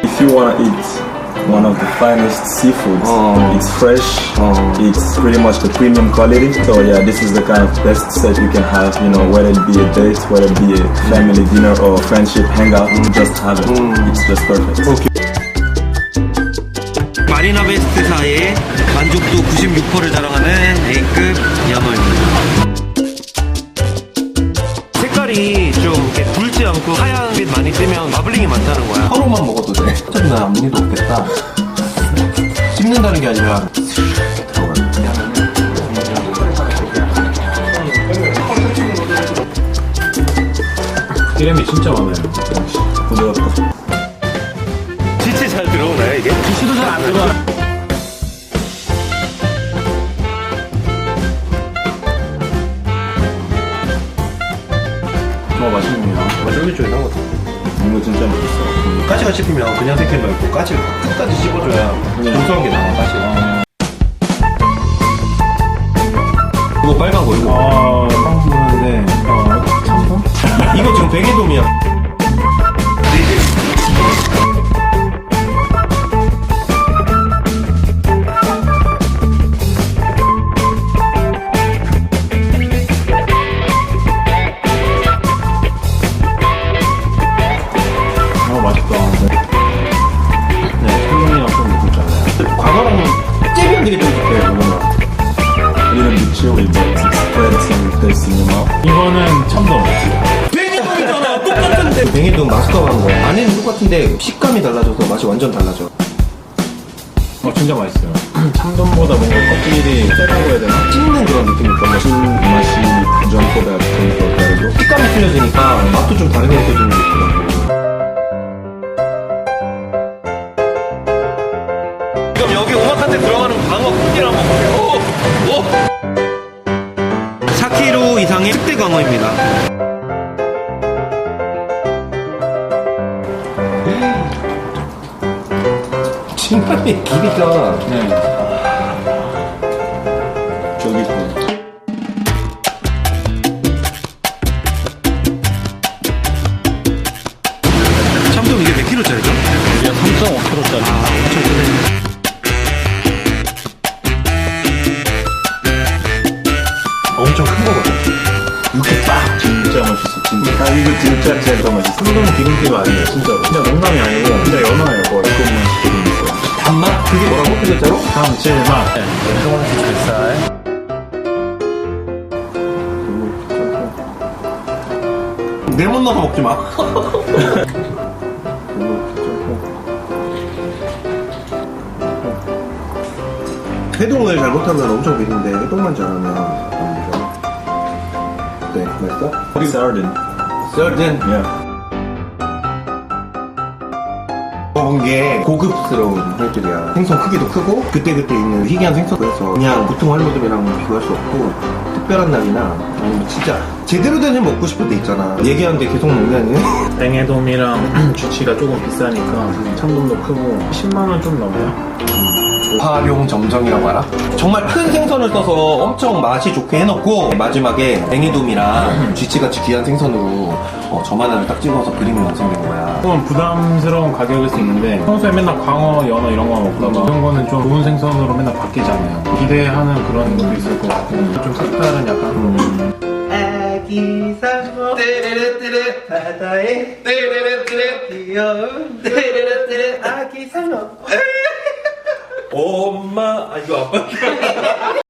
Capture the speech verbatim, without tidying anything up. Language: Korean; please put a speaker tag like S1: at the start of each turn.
S1: If you wanna eat one of the finest seafoods,
S2: Oh.
S1: it's fresh,
S2: Oh.
S1: it's pretty much the premium quality. So yeah, this is the kind of best set you can have, you know, whether it be a date, whether it be a family dinner or friendship hangout, just have it. It's just perfect.
S2: Okay.
S3: 마리나 베스트사의 만족도 구십육 퍼센트를 자랑하는 A급 연어입니다. 색깔이 좀 이렇게 붉지 않고 하얀 빛 많이 뜨면 마블링이 많다는 거야.
S2: 하루만 먹어도 돼. 어차피 나 아무 일도 없겠다. 씹는다는 게 아니라 들어가는 기름이 진짜 많아요.
S1: 부드럽고.
S3: 진짜 잘 들어오나요 이게? 기시도 잘 안 들어와.
S2: 어, 맛있네요.
S3: 쫄깃쫄깃한 것 같아.
S1: 이거 진짜 맛있어.
S3: 까치가 씹히면 그냥 새끼 말고 까치를 끝까지 씹어줘야 고소한 게 나와 까치가. 이거 빨간 거 이거.
S2: 아, 처음 보는데, 어, 참돔?
S3: 이거 지금 베개돔이야.
S2: 아, 맛있다. 네, 참돔이랑 좀 느꼈잖아요.
S3: 광어랑 째면 되게 쫄깃해 뭔가.
S1: A little bit chewy, but it spreads and tastes in your mouth.
S2: 이거는 참돔.
S3: 뱅이돔이잖아 똑같은데. 뱅이돔 마스터한 거야. 안에는 똑같은데 식감이 달라져서 맛이 완전 달라져.
S2: 어, 진짜 맛있어요. 참돔보다 뭔가 껍질이 세다고 해야 되나?
S3: 씹는 그런 느낌이 있거든.
S1: 술 맛이 전보다 좀 더 다르고.
S3: 식감이 틀려지니까 맛도 좀 다르게 느껴지는 게 있더라고. 그럼 여기 오마카세 들어가는 광어 크기를 한번 볼게요. 오! 오! 사 킬로그램 이상의 특대 광어입니다.
S2: 신발의 길이가. 네.
S1: 쫄깃해.
S3: 참돔 이게 몇 킬로짜리죠?
S2: 이게 삼 점 오 킬로그램짜리.
S3: 아, 엄청 크네. 엄청 큰 거거든.
S1: 이렇게 딱 진짜 맛있어. 진짜. 아, 이거 진짜 제일 더 맛있어.
S2: 참돔 기름기가 아니에요, 진짜로. 진짜 농담이 아니고, 진짜 연어예요, 거의.
S1: 조금만 시키고 있어요.
S3: 단맛? 그게 뭐라고? 그 글자로?
S2: 감칠맛. 네. 조금씩 잘.
S3: 레몬 넣어서 먹지 마. 해동을 잘못하면 엄청 비린데 해동만 잘하면 아니죠. 네, 맛있어?
S1: Sardine.
S3: 썰든
S1: Yeah.
S3: 먹은 게 고급스러운 회들이야. 생선 크기도 크고 그때그때 있는 희귀한 생선. 그래서 그냥 보통 할머들이랑 비교할 수 없고 특별한 날이나 아니면 진짜 제대로 된 회 먹고 싶을 때 있잖아. 얘기하는데 계속 먹냐니?
S2: 뱅에돔이랑 쥐치가 조금 비싸니까 참돔도 크고 십만 원 좀 넘어요.
S3: 활용 점정이라고 알아? 정말 큰 생선을 써서 엄청 맛이 좋게 해놓고 마지막에 뱅이돔이랑 쥐치같이 귀한 생선으로 어, 점 하나를 딱 찍어서 그림이 완성된 거야.
S2: 조금 부담스러운 가격일 수 있는데 평소에 맨날 광어, 연어 이런 거 먹다가 이런 거는 좀 좋은 생선으로 맨날 바뀌잖아요. 기대하는 그런 것도 있을 것 같고 좀 색다른 약간 음.
S3: 아기 상어 떼르르떼르 바다에 떼르르떼르 귀여운 떼르르떼르 아기 상어 엄마 아 이거 아빠